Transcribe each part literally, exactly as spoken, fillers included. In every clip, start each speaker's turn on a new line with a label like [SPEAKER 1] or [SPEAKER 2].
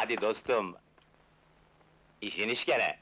[SPEAKER 1] Hadi dostum! İşin iş gene!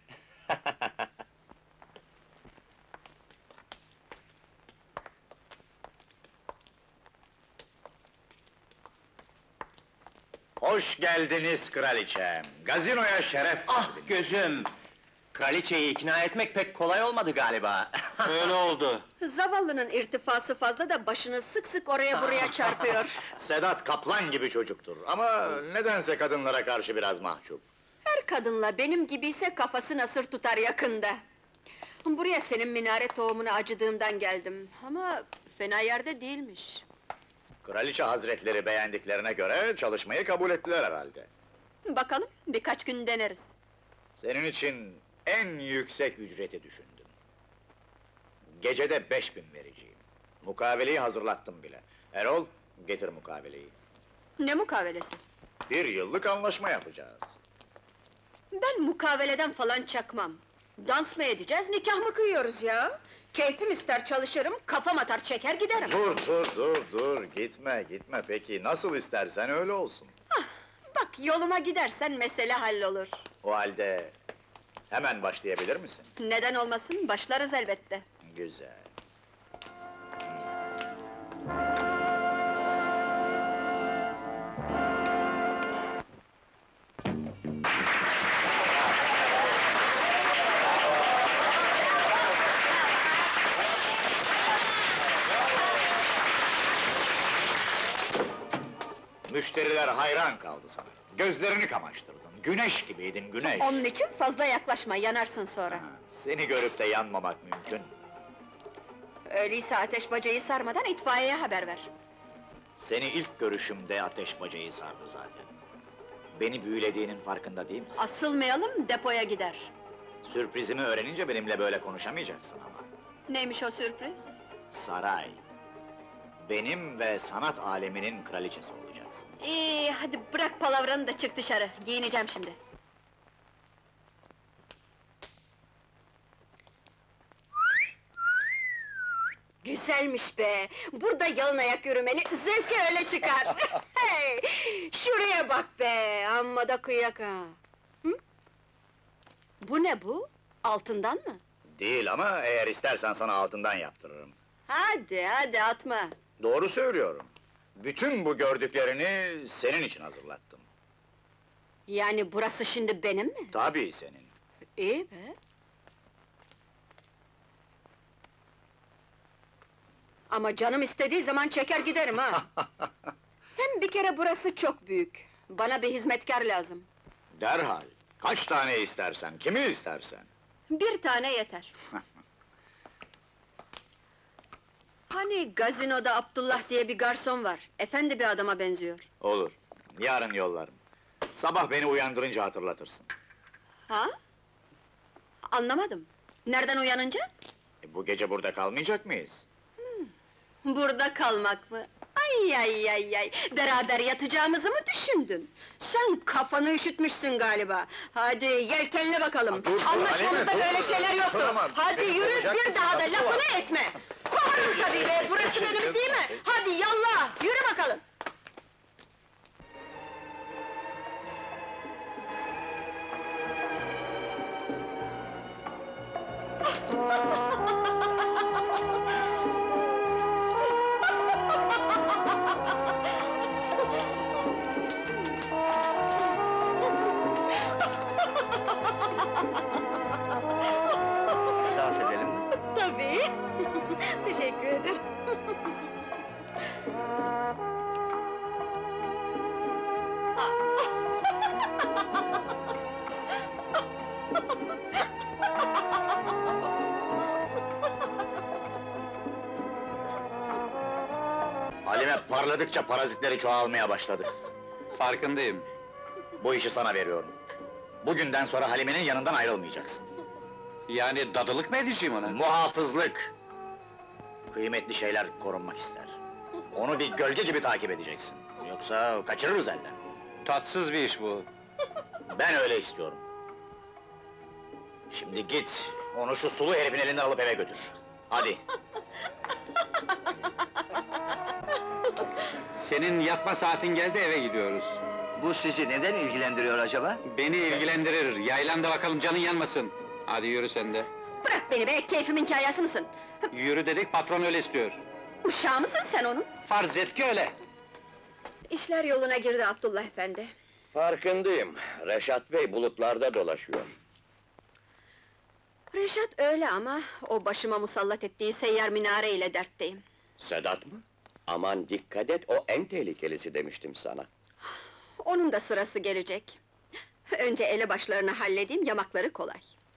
[SPEAKER 2] Hoş geldiniz kraliçem! Gazinoya şeref
[SPEAKER 1] Ah
[SPEAKER 2] verdiniz.
[SPEAKER 1] gözüm! Kraliçeyi ikna etmek pek kolay olmadı galiba. Öyle oldu.
[SPEAKER 3] Zavallının irtifası fazla da başını sık sık oraya buraya çarpıyor.
[SPEAKER 2] Sedat kaplan gibi çocuktur ama nedense kadınlara karşı biraz mahcup.
[SPEAKER 3] Her kadınla benim gibiyse kafası nasır tutar yakında. Buraya senin minare tohumuna acıdığımdan geldim ama fena yerde değilmiş.
[SPEAKER 2] Kraliçe hazretleri beğendiklerine göre çalışmayı kabul ettiler herhalde.
[SPEAKER 3] Bakalım, birkaç gün deneriz.
[SPEAKER 2] Senin için en yüksek ücreti düşündüm. Gecede beş bin vereceğim. Mukaveleyi hazırlattım bile. Erol, getir mukaveleyi.
[SPEAKER 3] Ne mukavelesi?
[SPEAKER 2] Bir yıllık anlaşma yapacağız.
[SPEAKER 3] Ben mukaveleden falan çakmam. Dans mı edeceğiz, nikah mı kıyıyoruz ya? Keyfim ister çalışırım, kafam atar çeker giderim.
[SPEAKER 2] Dur, dur, dur, dur! Gitme, gitme! Peki, nasıl istersen öyle olsun.
[SPEAKER 3] Bak, yoluma gidersen mesele hallolur.
[SPEAKER 2] O halde hemen başlayabilir misin?
[SPEAKER 3] Neden olmasın, başlarız elbette.
[SPEAKER 2] Güzel. Müşteriler hayran kaldı sana. Gözlerini kamaştırdın. Güneş gibiydin, güneş.
[SPEAKER 3] Onun için fazla yaklaşma, yanarsın sonra.
[SPEAKER 2] Ha, seni görüp de yanmamak mümkün.
[SPEAKER 3] Öyleyse ateş bacayı sarmadan itfaiyeye haber ver.
[SPEAKER 2] Seni ilk görüşümde ateş bacayı sardı zaten. Beni büyülediğinin farkında değil misin?
[SPEAKER 3] Asılmayalım, depoya gider.
[SPEAKER 2] Sürprizimi öğrenince benimle böyle konuşamayacaksın ama.
[SPEAKER 3] Neymiş o sürpriz?
[SPEAKER 2] Saray. Benim ve sanat aleminin kraliçesi olacaksın.
[SPEAKER 3] İyi, hadi bırak palavranı da çık dışarı, giyineceğim şimdi. Güzelmiş be! Burada yalın ayak yürümeli, zevki öyle çıkar! Hey! Şuraya bak be, amma da kıyak ha! Hı? Bu ne bu? Altından mı?
[SPEAKER 2] Değil ama eğer istersen sana altından yaptırırım.
[SPEAKER 3] Hadi, hadi atma!
[SPEAKER 2] Doğru söylüyorum. Bütün bu gördüklerini senin için hazırlattım.
[SPEAKER 3] Yani burası şimdi benim mi?
[SPEAKER 2] Tabii senin.
[SPEAKER 3] İyi be! Ama canım istediği zaman çeker giderim ha! Hem bir kere burası çok büyük. Bana bir hizmetkar lazım.
[SPEAKER 2] Derhal. Kaç tane istersen, kimi istersen.
[SPEAKER 3] Bir tane yeter. Hani gazinoda Abdullah diye bir garson var. Efendi bir adama benziyor.
[SPEAKER 2] Olur. Yarın yollarım. Sabah beni uyandırınca hatırlatırsın.
[SPEAKER 3] Ha? Anlamadım. Nereden uyanınca?
[SPEAKER 2] E, bu gece burada kalmayacak mıyız?
[SPEAKER 3] Burada kalmak mı? Ay ay ay ay! Beraber yatacağımızı mı düşündün? Sen kafanı üşütmüşsün galiba. Hadi yelkenle bakalım.
[SPEAKER 2] Ha, dur, dur,
[SPEAKER 3] Anlaşmamızda
[SPEAKER 2] Halime,
[SPEAKER 3] böyle
[SPEAKER 2] dur.
[SPEAKER 3] şeyler yoktu.
[SPEAKER 2] Dur ama,
[SPEAKER 3] Hadi
[SPEAKER 2] beni
[SPEAKER 3] yürü,
[SPEAKER 2] kovacak
[SPEAKER 3] bir
[SPEAKER 2] mısın?
[SPEAKER 3] daha da
[SPEAKER 2] Haklı
[SPEAKER 3] lafını
[SPEAKER 2] var.
[SPEAKER 3] etme! Kovarım tabii be, burası benim değil mi? Hadi yallah, yürü bakalım!
[SPEAKER 1] Dans edelim mi?
[SPEAKER 3] Tabii! Teşekkür ederim.
[SPEAKER 2] Halime parladıkça parazitleri çoğalmaya başladı.
[SPEAKER 1] Farkındayım.
[SPEAKER 2] Bu işi sana veriyorum. Bugünden sonra Halime'nin yanından ayrılmayacaksın.
[SPEAKER 1] Yani dadılık mı edeceğim ona?
[SPEAKER 2] Muhafızlık! Kıymetli şeyler korunmak ister. Onu bir gölge gibi takip edeceksin. Yoksa kaçırırız elden.
[SPEAKER 1] Tatsız bir iş bu.
[SPEAKER 2] Ben öyle istiyorum. Şimdi git, onu şu sulu herifin elinden alıp eve götür. Hadi!
[SPEAKER 1] Senin yatma saatin geldi, eve gidiyoruz.
[SPEAKER 4] Bu sizi neden ilgilendiriyor acaba?
[SPEAKER 5] Beni ilgilendirir, yaylan da bakalım canın yanmasın. Hadi yürü sen de.
[SPEAKER 3] Bırak beni be, keyfimin kayası mısın?
[SPEAKER 5] Yürü dedik, patron öyle istiyor.
[SPEAKER 3] Uşağı mısın sen onun?
[SPEAKER 5] Farz et ki öyle.
[SPEAKER 3] İşler yoluna girdi Abdullah efendi.
[SPEAKER 6] Farkındayım. Reşat Bey bulutlarda dolaşıyor.
[SPEAKER 3] Reşat öyle ama, o başıma musallat ettiği seyyar minare ile dertteyim.
[SPEAKER 6] Sedat mı? Aman dikkat et, o en tehlikelisi demiştim sana.
[SPEAKER 3] Onun da sırası gelecek. Önce elebaşlarını halledeyim, yamakları kolay.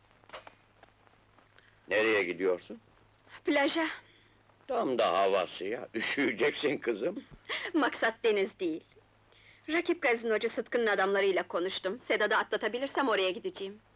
[SPEAKER 6] Nereye gidiyorsun?
[SPEAKER 3] Plaja,
[SPEAKER 6] Tam da havası ya, üşüyeceksin kızım.
[SPEAKER 3] maksat deniz değil. Rakip gazinocu Sıtkı'nın adamlarıyla konuştum. Sedat'ı atlatabilirsem oraya gideceğim.